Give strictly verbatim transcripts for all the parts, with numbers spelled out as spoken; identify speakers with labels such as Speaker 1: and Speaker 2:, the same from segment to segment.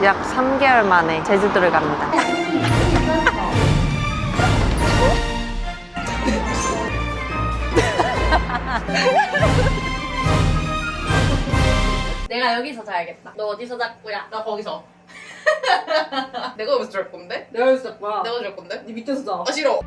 Speaker 1: 약 삼 개월 만에 제주도를 갑니다.
Speaker 2: 내가 여기서 자야겠다. 너 어디서 잘 거야?
Speaker 3: 나 거기서. 내가 여기서 잘 건데?
Speaker 2: 내가 여기서 잘 거야.
Speaker 3: 내가 잘 건데?
Speaker 2: 네 밑에서 자.
Speaker 3: 아 싫어.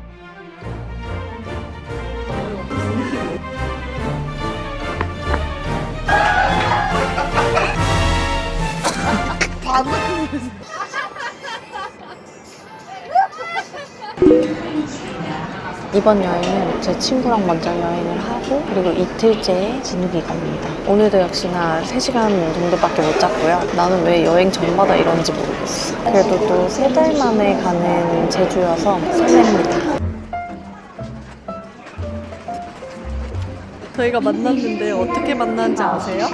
Speaker 1: 이번 여행은 제 친구랑 먼저 여행을 하고 그리고 이틀째에 진욱이가 옵니다. 오늘도 역시나 세 시간 정도밖에 못 잤고요. 나는 왜 여행 전마다 이런지 모르겠어. 그래도 또 세 달 만에 가는 제주여서 설렙니다. 저희가 만났는데 어떻게 만났는지 아세요?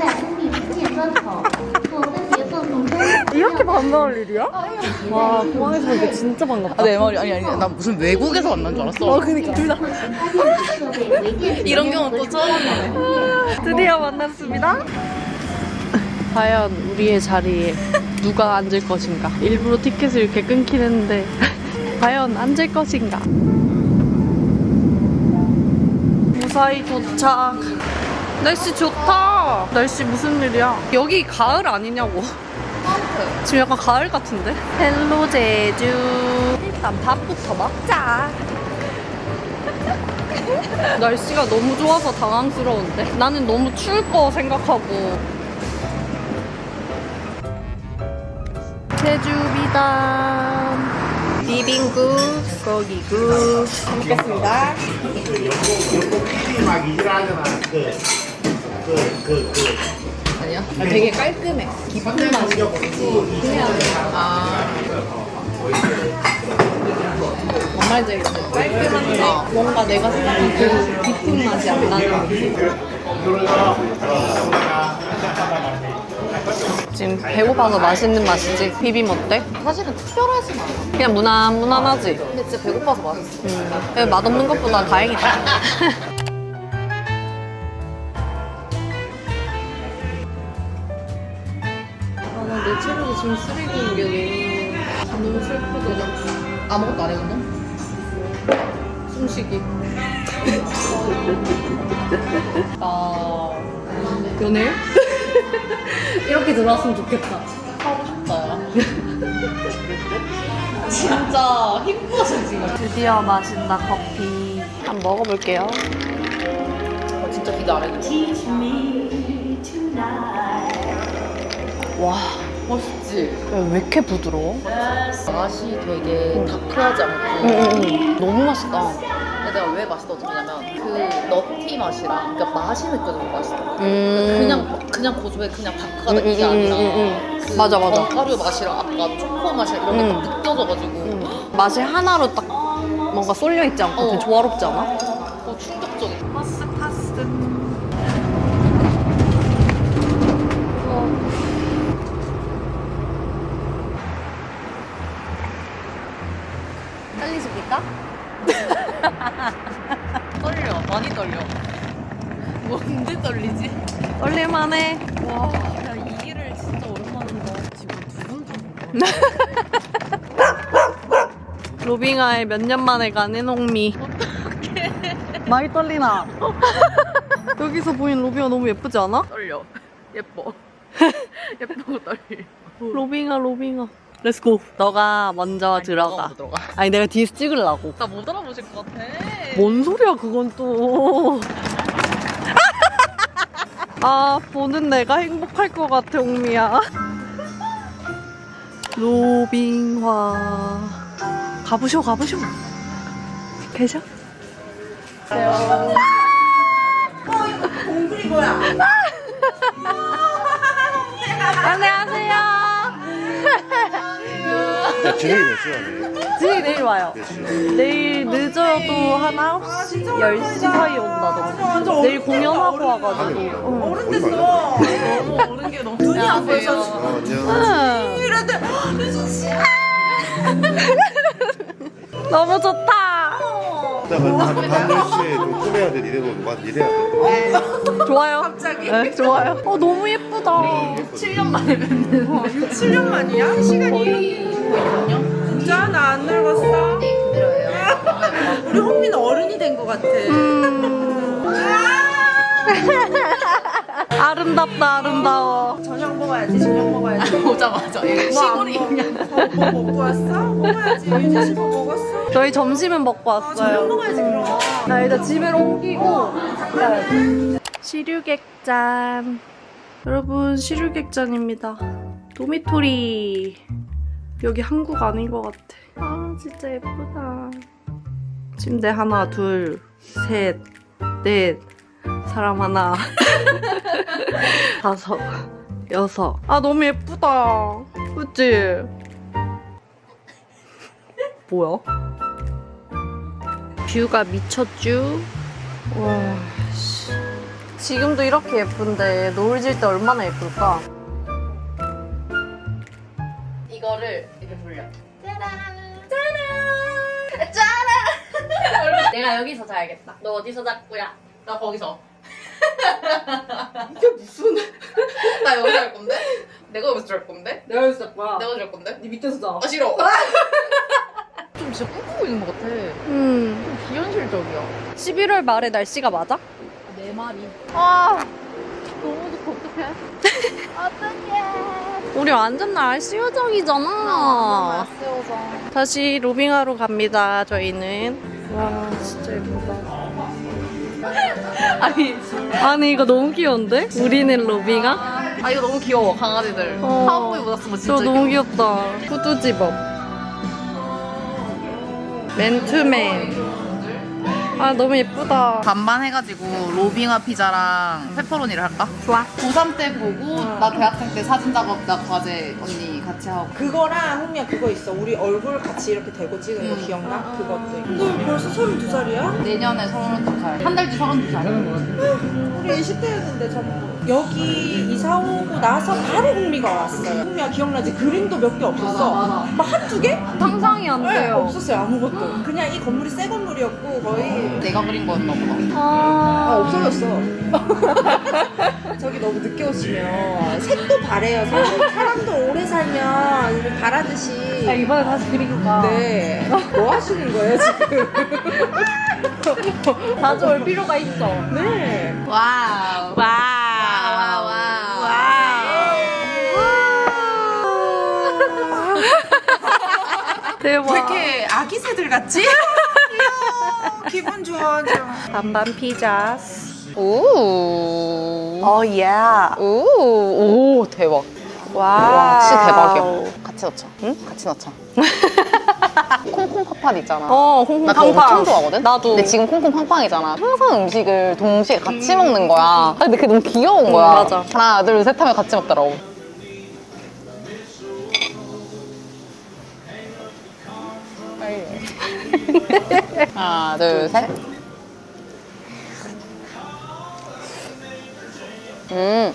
Speaker 1: 이렇게 반가울 일이야? 와, 공항에서 보니까 진짜 반갑다.
Speaker 3: 아, 내 말이 아니 아니 나 무슨 외국에서 만난 줄 알았어.
Speaker 1: 어, 그니까 둘 다.
Speaker 3: 이런 경우 또 처음이네.
Speaker 1: 드디어 만났습니다. 과연 우리의 자리에 누가 앉을 것인가? 일부러 티켓을 이렇게 끊긴 했는데 과연 앉을 것인가? 무사히 도착. 날씨 좋다. 날씨 무슨 일이야? 여기 가을 아니냐고. 지금 약간 가을 같은데? 헬로 제주. 일단 밥부터 먹자. 날씨가 너무 좋아서 당황스러운데? 나는 너무 추울 거 생각하고. 제주 비담. 비빔국, 고기국. 먹겠습니다.
Speaker 4: 요거 피디 막 이질하잖아. 그, 그, 그, 그.
Speaker 3: 아니야?
Speaker 2: 아, 되게 깔끔해. 깊은 맛이. 그냥
Speaker 3: 아
Speaker 2: 뭔 말인지 알겠어. 깔끔한데 뭔가 내가 생각한 그 깊은 맛이 안 나는 느낌.
Speaker 1: 지금 배고파서 맛있는 맛이지? 비빔 어때?
Speaker 3: 사실은 특별하진 않아.
Speaker 1: 그냥 무난, 무난하지?
Speaker 3: 근데 진짜 배고파서 맛있어.
Speaker 1: 음, 맛없는 것보다 다행이다. 아, 내 체력이 지금 쓰레기인 게 너무, 너무 슬프다.
Speaker 3: 아무것도 안 해줬나?
Speaker 1: 숨쉬기. 아, 연애? 이렇게 들어왔으면 좋겠다.
Speaker 3: 하고 싶다. 진짜 힘들었어 지금.
Speaker 1: 드디어 마신다, 커피. 한번 먹어볼게요.
Speaker 3: 어, 진짜 기대 안 해줘.
Speaker 1: 와,
Speaker 3: 멋있지?
Speaker 1: 왜 이렇게 부드러워?
Speaker 3: 맛이 되게 다크하지 않고.
Speaker 1: 응, 응, 응. 너무 맛있다.
Speaker 3: 근데 내가 왜 맛있다고 느끼냐면 그 너티 맛이랑 그러니까 맛이 느껴지는 맛이더라고.
Speaker 1: 음.
Speaker 3: 그냥 그냥 고소해 그냥 다크하다
Speaker 1: 음,
Speaker 3: 이게
Speaker 1: 음,
Speaker 3: 아니라
Speaker 1: 음, 음, 음.
Speaker 3: 그
Speaker 1: 맞아, 맞아.
Speaker 3: 견과류 맛이랑 아까 초코 맛이랑 이런 게
Speaker 1: 음.
Speaker 3: 딱 느껴져가지고
Speaker 1: 음. 맛이 하나로 딱 뭔가 쏠려 있지 않고 되게
Speaker 3: 어.
Speaker 1: 조화롭지 않아?
Speaker 3: 어, 충격적이야.
Speaker 1: 파스 파스.
Speaker 3: 떨리십니까? 떨려 많이 떨려. 뭔데 떨리지?
Speaker 1: 떨릴만해.
Speaker 3: 와, 야, 이 길을 진짜 오랜만인데 지금 두분 좀.
Speaker 1: 로빙아에 몇 년 만에 간 해농미.
Speaker 3: 어떡해.
Speaker 1: 많이 떨리나? 여기서 보인 로빙아 너무 예쁘지 않아?
Speaker 3: 떨려. 예뻐. 예쁘고 떨려.
Speaker 1: 로빙아 로빙아. 렛츠고. 너가 먼저
Speaker 3: 아니,
Speaker 1: 들어가.
Speaker 3: 너가 먼저 들어가.
Speaker 1: 아니 내가 뒤에서 찍으려고.
Speaker 3: 나 못 알아보실 것 같아.
Speaker 1: 뭔 소리야 그건 또. 아 보는 내가 행복할 것 같아 옹미야. 로빙화 가보쇼 가보쇼. 계셔?
Speaker 4: 공들이 뭐야?
Speaker 1: 안녕하세요.
Speaker 4: 진행이 몇 시간이에요?
Speaker 1: 지금 내일 와요.
Speaker 4: 몇 시간?
Speaker 1: 내일 늦어도 한 아홉 시, 열 시 사이 온다던데. 내일 공연하고 와가지고. 응.
Speaker 4: 어른 됐어.
Speaker 3: 너무 오는 게 너무 눈이 안 보여서.
Speaker 4: 아, 제가
Speaker 1: 응. 너무 좋다.
Speaker 5: 이따가 반- 반절씨에 좀 꾸며야 돼. 니네 뭐 이래야 돼.
Speaker 1: 좋아요. 갑자기? 네, 좋아요. 어, 너무 예쁘다.
Speaker 3: 칠 년 만에 뵙는
Speaker 2: 칠 년 만이야? 시간이? 진짜? 나 안 늙었어?
Speaker 3: 그대로예요.
Speaker 2: 우리 홍미는 어른이 된 것 같아.
Speaker 1: 아름답다, 아름다워.
Speaker 2: 저녁 먹어야지, 저녁 먹어야지.
Speaker 3: 오자마자 얘 시골이 있냐?
Speaker 2: 뭐 먹고 왔어? 먹어야지. 유진 씨 뭐 먹었어?
Speaker 1: 저희 점심은 먹고
Speaker 2: 저녁
Speaker 1: 왔어요.
Speaker 2: 먹어야지, 그럼.
Speaker 1: 나 일단 집에 옮기고 시류객잔. 여러분, 시류객잔입니다. 도미토리. 여기 한국 아닌 것 같아. 아, 진짜 예쁘다. 침대 하나, 둘, 셋, 넷. 사람 하나. 다섯, 여섯. 아, 너무 예쁘다. 그치? 뭐야? 뷰가 미쳤쥬? 와, 씨. 지금도 이렇게 예쁜데 노을 질 때 얼마나 예쁠까?
Speaker 3: 이거를 이렇게 돌려. 짜란. 짜란. 짜란. 내가 여기서 자야겠다. 너 어디서 잘 거야? 나 거기서.
Speaker 2: 이게 무슨.
Speaker 3: 나 여기서 잘 건데? 내가 여기서 잘 건데?
Speaker 2: 내가 여기서 잘 거야.
Speaker 3: 내가 잘 건데?
Speaker 2: 네 밑에서 자.
Speaker 3: 아 싫어. 좀 진짜 꿈꾸고 있는 것 같아.
Speaker 1: 음.
Speaker 3: 비현실적이야.
Speaker 1: 십일월 말에 날씨가 맞아?
Speaker 3: 내 말이.
Speaker 1: 아,
Speaker 3: 너무 좋고 어떡해?
Speaker 1: 우리 완전 날씨 요정이잖아.
Speaker 3: 세워서.
Speaker 1: 다시 로빙하러 갑니다, 저희는. 와, 진짜 예쁘다. 아니, 아니, 이거 너무 귀여운데? 우리는 로빙아?
Speaker 3: 아 이거 너무 귀여워 강아지들.
Speaker 1: 어.
Speaker 3: 카우보이 묻었으면 진짜.
Speaker 1: 저 너무 귀엽다. 후드 집업. 맨투맨. 아, 너무 예쁘다.
Speaker 3: 반반 해가지고 로빙아 피자랑 페퍼로니를 할까?
Speaker 1: 좋아.
Speaker 3: 고삼 때 보고 나 대학생 때 사진 작업 나 과제 언니 같이 하고.
Speaker 2: 그거랑 홍미야 그거 있어. 우리 얼굴 같이 이렇게 대고 찍은 거
Speaker 3: 음.
Speaker 2: 기억나? 그것도 있고. 너 벌써 서른두 살이야?
Speaker 3: 내년에 서른두 살. 한 달 뒤 서른두 살.
Speaker 2: 우리 이십 대였는데 전부. 여기 이사 오고 나서 바로 홍미가 왔어요. 홍미야 기억나지? 그림도 몇 개 없었어.
Speaker 3: 맞아, 맞아.
Speaker 2: 막 한두 개?
Speaker 1: 상상이 안
Speaker 2: 네,
Speaker 1: 돼요.
Speaker 2: 없었어요 아무것도. 그냥 이 건물이 새 건물이었고 거의.
Speaker 3: 내가 그린 거였나 보다.
Speaker 2: 아
Speaker 1: 아,
Speaker 2: 없어졌어. 저기 너무 늦게 오시면 색도 바래요. 사실. 사람도 오래 살면 바라듯이.
Speaker 1: 야, 이번에 다시 그리고 가.
Speaker 2: 네. 뭐 하시는 거예요 지금?
Speaker 1: 자주 올 필요가 있어.
Speaker 2: 네.
Speaker 3: 와우.
Speaker 1: 와우.
Speaker 3: 와우.
Speaker 1: 대박.
Speaker 2: 왜 이렇게 아기 새들 같지? 기분 좋아.
Speaker 1: 반반 피자.
Speaker 3: 오.
Speaker 1: 어, 예.
Speaker 3: 오. 오 대박.
Speaker 1: 와.
Speaker 3: 와 진짜 대박이야. 같이 넣자. 응? 같이 넣자. 콩콩 팥팥 있잖아.
Speaker 1: 어, 홍콩
Speaker 3: 나 그거 엄청
Speaker 1: 팡팡.
Speaker 3: 좋아하거든?
Speaker 1: 나도.
Speaker 3: 근데 지금 콩콩 팡팡이잖아. 항상 음식을 동시에 같이 먹는 거야. 아, 근데 그게 너무 귀여운
Speaker 1: 음,
Speaker 3: 거야.
Speaker 1: 맞아.
Speaker 3: 하나, 둘, 셋 하면 같이 먹더라고. 하나, 둘, 셋. 음.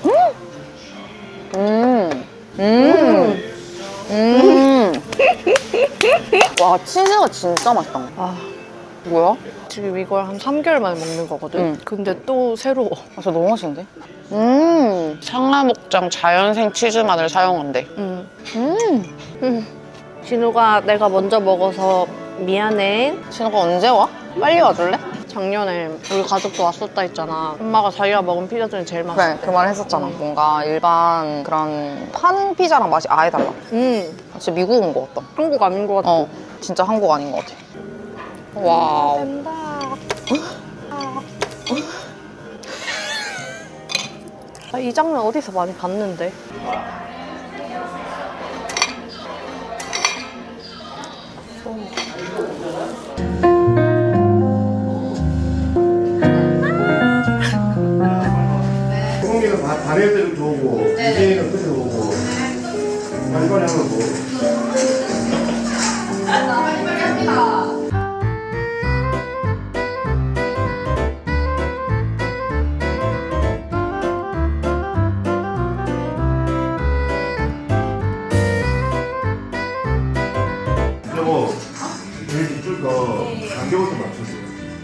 Speaker 3: 음. 음. 음. 와, 치즈가 진짜 맛있다.
Speaker 1: 아,
Speaker 3: 뭐야?
Speaker 1: 지금 이걸 한 삼 개월 만에 먹는 거거든.
Speaker 3: 응.
Speaker 1: 근데 또 새로워.
Speaker 3: 아, 저 너무 맛있는데? 음. 상하목장 자연생 치즈만을 사용한대.
Speaker 1: 응.
Speaker 3: 음.
Speaker 1: 응. 진우가 내가 먼저 먹어서 미안해.
Speaker 3: 진우가 언제 와? 빨리 와줄래?
Speaker 1: 작년에 우리 가족도 왔었다 했잖아. 엄마가 자기가 먹은 피자 중에 제일
Speaker 3: 그래,
Speaker 1: 맛있대.
Speaker 3: 그 말 했었잖아. 뭔가 일반 그런 판 피자랑 맛이 아예 달라.
Speaker 1: 응.
Speaker 3: 진짜 미국 온 것 같다.
Speaker 1: 한국 아닌 것 같아.
Speaker 3: 어, 진짜 한국 아닌 것 같아. 와우.
Speaker 1: 된다. 아, 이 장면 어디서 많이 봤는데?
Speaker 5: 소고기는 다 다리를 좋고 이제는 끝에 오고 빨리빨리 하면 뭐. 근데 뭐 제일 이쪽 거 간격을 좀 맞췄어요.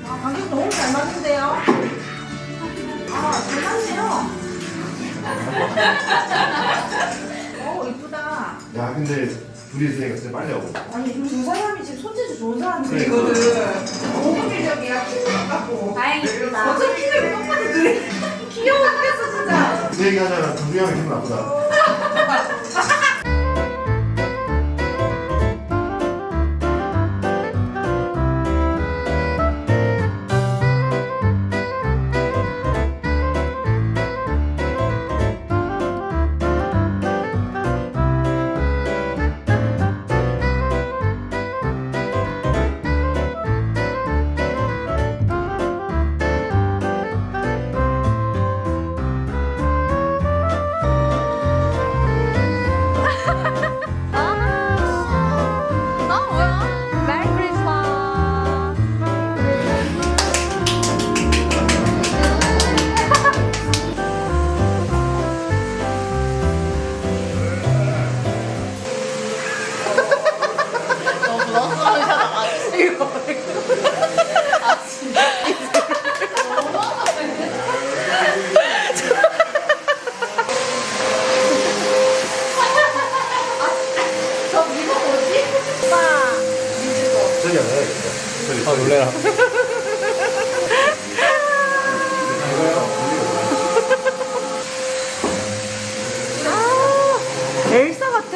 Speaker 5: 근데 둘이 있으니까 진짜 빨리 하고.
Speaker 2: 아니 두 사람이 지금 손재주 좋은 사람들이거든. 너무 밀적이야. 키는 같고. 다행이다. 어차피 키는 똑같아 둘이. 귀여워 죽겠어 진짜.
Speaker 5: 그 얘기 하자면 정수 형이 기분 나쁘다.
Speaker 3: 아 뭐야? 메리 크리스마스. 너무 너무 이거 아 진짜.
Speaker 5: 저기 안 해야겠다. 저기.
Speaker 6: 아 놀래라.
Speaker 2: 엘사 같아.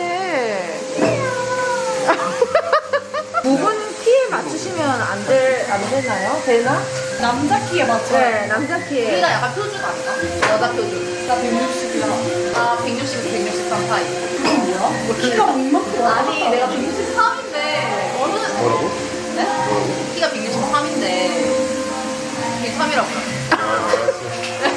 Speaker 2: 부분 키에 맞추시면 안, 될, 안 되나요? 되나? 남자 키에 맞춰요. 네, 남자 키에.
Speaker 3: 우리가 약간 표준 아닌가? 여자 표준. 나 백육십이야. 아 백육십에서 백육십삼 사이. 뭐야?
Speaker 2: 뭐 키가 이만큼
Speaker 3: 아니 내가 백육십삼인데 어느
Speaker 5: 뭐라고?
Speaker 3: 네?
Speaker 5: 뭐라고?
Speaker 3: 키가 백육십삼인데 백육십삼이라고.
Speaker 5: 아, 알았어.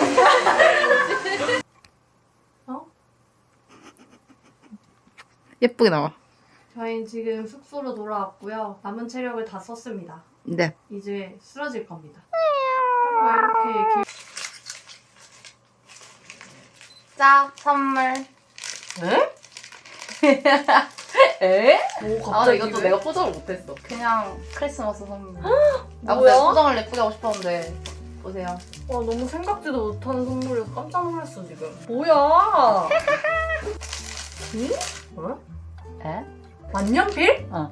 Speaker 3: 예쁘게 나와.
Speaker 1: 저희는 지금 숙소로 돌아왔고요. 남은 체력을 다 썼습니다.
Speaker 3: 네.
Speaker 1: 이제 쓰러질 겁니다. 왜 이렇게 길...
Speaker 3: 짜 선물.
Speaker 1: 에?
Speaker 3: 에?
Speaker 1: 오
Speaker 3: 아, 근데
Speaker 1: 갑자기
Speaker 3: 이것도
Speaker 1: 왜?
Speaker 3: 내가 포장을 못했어. 그냥 크리스마스 선물. 아, 근데
Speaker 1: 뭐야?
Speaker 3: 포장을 예쁘게 하고 싶었는데. 보세요.
Speaker 1: 와 너무 생각지도 못하는 선물이어서 깜짝 놀랐어 지금. 뭐야? 응? 뭐야?
Speaker 3: 에?
Speaker 1: 만년필?
Speaker 3: 어.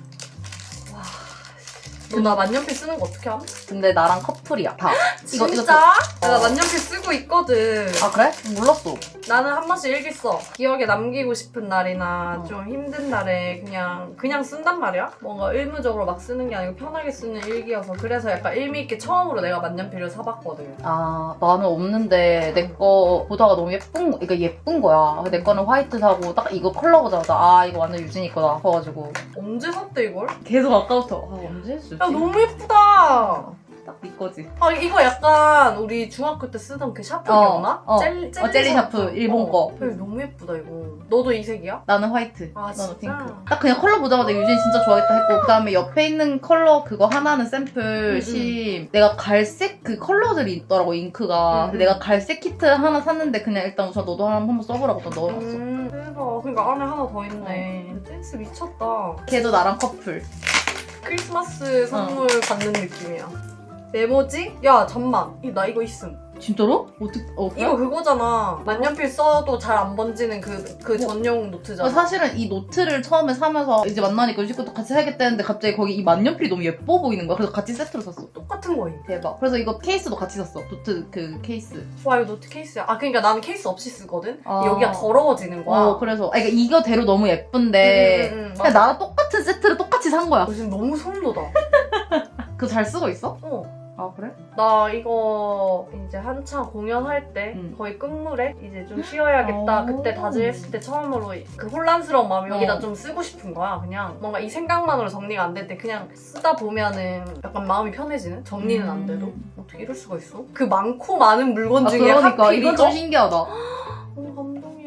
Speaker 1: 너 나 만년필 쓰는 거 어떻게 함?
Speaker 3: 근데 나랑 커플이야. 다. 이거, 이거
Speaker 1: 진짜?
Speaker 3: 저-
Speaker 1: 나
Speaker 3: 어.
Speaker 1: 만년필 쓰고 있거든.
Speaker 3: 아, 그래? 몰랐어.
Speaker 1: 나는 한 번씩 일기 써. 기억에 남기고 싶은 날이나
Speaker 3: 어.
Speaker 1: 좀 힘든 날에 그냥 그냥 쓴단 말이야. 뭔가 의무적으로 막 쓰는 게 아니고 편하게 쓰는 일기여서 그래서 약간 의미 있게 처음으로 내가 만년필을 사봤거든.
Speaker 3: 아, 나는 없는데 내 거 보다가 너무 예쁜, 거- 그러니까 예쁜 거야. 내 거는 화이트 사고 딱 이거 컬러 보자마자 아, 이거 완전 유진이 거다. 싶어가지고.
Speaker 1: 언제 샀대 이걸?
Speaker 3: 계속 아까부터 아, 언제 했지?
Speaker 1: 야 너무 예쁘다.
Speaker 3: 딱 네 거지.
Speaker 1: 아 이거 약간 우리 중학교 때 쓰던 그 샤프
Speaker 3: 어,
Speaker 1: 기억나?
Speaker 3: 어.
Speaker 1: 젤, 젤리,
Speaker 3: 어, 젤리 샤프, 일본 거.
Speaker 1: 어, 너무 예쁘다 이거. 너도 이 색이야?
Speaker 3: 나는 화이트.
Speaker 1: 아,
Speaker 3: 너는
Speaker 1: 진짜?
Speaker 3: 핑크. 딱 그냥 컬러 보자마자 유진이 진짜 좋아하겠다 했고, 그 다음에 옆에 있는 컬러 그거 하나는 샘플
Speaker 1: 음,
Speaker 3: 심. 내가 갈색 그 컬러들이 있더라고, 잉크가.
Speaker 1: 음,
Speaker 3: 근데 내가 갈색 키트 하나 샀는데 그냥 일단 우선 너도 하나 한번 써보라고 또 넣어놨어.
Speaker 1: 음, 대박. 그러니까 안에 하나 더 있네. 댄스 미쳤다.
Speaker 3: 걔도 나랑 커플.
Speaker 1: 크리스마스 선물 받는 느낌이야. 메모지? 야 잠만. 이- 나 이거 있음.
Speaker 3: 진짜로? 어떻게, 어, 그래?
Speaker 1: 이거 그거잖아. 만년필 써도 잘 안 번지는 그, 그 전용 노트잖아.
Speaker 3: 어, 사실은 이 노트를 처음에 사면서 이제 만나니까 유진 것도 같이 사야겠다 했는데 갑자기 거기 이 만년필이 너무 예뻐 보이는 거야. 그래서 같이 세트로 샀어.
Speaker 1: 똑같은 거임.
Speaker 3: 대박. 그래서 이거 케이스도 같이 샀어. 노트 그 케이스.
Speaker 1: 와 이거 노트 케이스야. 아 그러니까 나는 케이스 없이 쓰거든.
Speaker 3: 아.
Speaker 1: 여기가 더러워지는 거야.
Speaker 3: 어, 그래서. 아, 그러니까 이거대로 너무 예쁜데.
Speaker 1: 음, 음, 음,
Speaker 3: 그냥
Speaker 1: 맞아.
Speaker 3: 나랑 똑같은 세트를 똑같이 산 거야.
Speaker 1: 너 지금 너무 소름 돋아.
Speaker 3: 그거 잘 쓰고 있어?
Speaker 1: 어.
Speaker 3: 아, 그래?
Speaker 1: 나 이거 이제 한창 공연할 때
Speaker 3: 음.
Speaker 1: 거의 끝물에 이제 좀 쉬어야겠다
Speaker 3: 오.
Speaker 1: 그때 다짐했을 때 처음으로 그 혼란스러운 마음이
Speaker 3: 어.
Speaker 1: 여기다 좀 쓰고 싶은 거야. 그냥 뭔가 이 생각만으로 정리가 안 될 때 그냥 쓰다 보면은 약간 마음이 편해지는? 정리는 안 돼도?
Speaker 3: 음.
Speaker 1: 어떻게 이럴 수가 있어? 그 많고 많은 물건
Speaker 3: 아,
Speaker 1: 중에
Speaker 3: 그러니까
Speaker 1: 하필
Speaker 3: 이건
Speaker 1: 이거?
Speaker 3: 좀 신기하다.
Speaker 1: 너무 감동이야.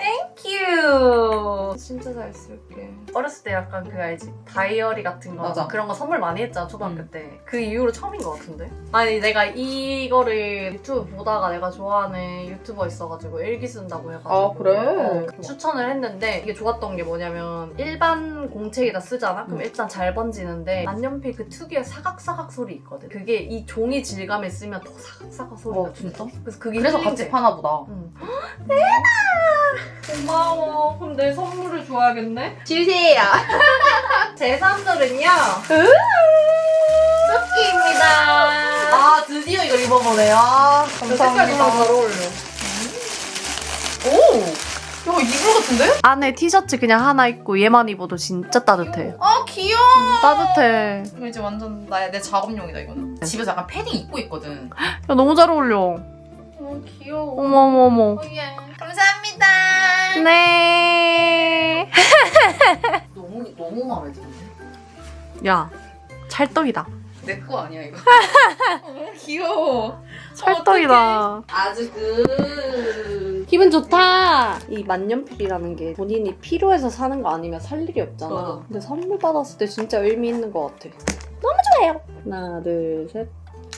Speaker 1: 땡큐. 진짜 잘 쓸게. 어렸을 때 약간 그 알지? 다이어리 같은 거
Speaker 3: 맞아.
Speaker 1: 그런 거 선물 많이 했잖아 초등학교
Speaker 3: 음.
Speaker 1: 때. 그 이후로 처음인 것 같은데? 아니 내가 이거를 유튜브 보다가 내가 좋아하는 유튜버 있어가지고 일기 쓴다고 해가지고
Speaker 3: 아, 그래?
Speaker 1: 어, 추천을 했는데 이게 좋았던 게 뭐냐면 일반 공책에다 쓰잖아? 그럼
Speaker 3: 음.
Speaker 1: 일단 잘 번지는데 만년필 그 특유의 사각사각 소리 있거든. 그게 이 종이 질감에 쓰면 더 사각사각 소리가
Speaker 3: 어, 진짜?
Speaker 1: 그래서 그게
Speaker 3: 그래서
Speaker 1: 힐링돼.
Speaker 3: 같이 파나 보다.
Speaker 1: 응.
Speaker 3: 고마워. 그럼 내 선물을 줘야겠네. 주세요. 제 선물은요. 토끼입니다. 아 드디어 이걸 입어보네요. 감사합니다. 잘 어울려. 오. 야 이불 같은데?
Speaker 1: 안에 티셔츠 그냥 하나 입고 얘만 입어도 진짜 따뜻해.
Speaker 3: 아 귀여워.
Speaker 1: 따뜻해.
Speaker 3: 이거 이제 완전 나의 내 작업용이다 이거는. 집에서 약간 패딩 입고 있거든.
Speaker 1: 야 너무 잘 어울려.
Speaker 3: 어 귀여워.
Speaker 1: 어머머머.
Speaker 3: 예. 감사합니다.
Speaker 1: 네.
Speaker 3: 너무 너무 마음에 드는데.
Speaker 1: 야 찰떡이다.
Speaker 3: 내 거 아니야 이거. 너무 귀여워.
Speaker 1: 찰떡이다.
Speaker 3: 아주 그.
Speaker 1: 기분 좋다. 이 만년필이라는 게 본인이 필요해서 사는 거 아니면 살 일이 없잖아.
Speaker 3: 어.
Speaker 1: 근데 선물 받았을 때 진짜 의미 있는 것 같아. 너무 좋아요. 하나, 둘, 셋.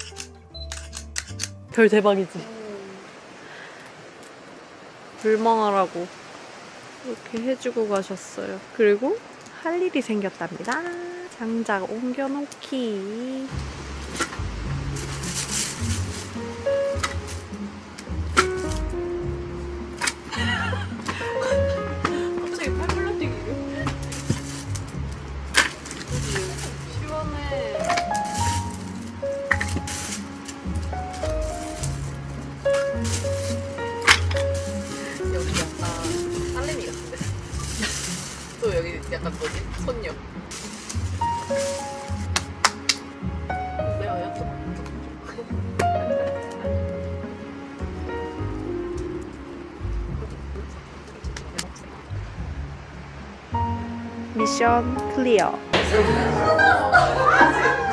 Speaker 1: 별 대박이지. 불멍하라고 이렇게 해주고 가셨어요. 그리고 할 일이 생겼답니다. 장작 옮겨놓기. 갑자기 팔불러 뛰기를. 시원해.
Speaker 3: 여기 약간 딸내미 같은데. 또 여기 약간 뭐지? 손녀. 매워요 또.
Speaker 1: 미션 클리어.